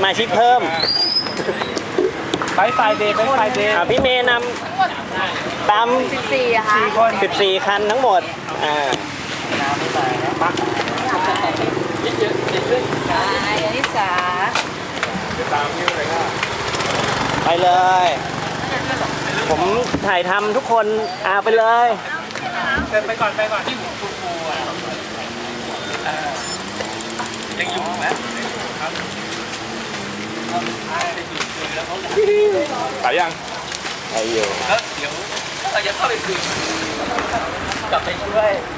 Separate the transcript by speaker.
Speaker 1: มาชิกเพิ่ม
Speaker 2: ไปไฟเดย์
Speaker 1: พี่เมย์นำตาม
Speaker 3: 14อะค่ะ
Speaker 1: 14 คันทั้งหมด
Speaker 3: อนิสา
Speaker 1: ไปเลย ผมถ่ายทำทุกคนไปเลย
Speaker 2: ไปก่อนที่หูฟูยังอยู่ไหมไปยัง
Speaker 1: ไปอยู่
Speaker 2: แล้วเดี๋ยวเราจะเข้าไปคืนกลับไปช่วย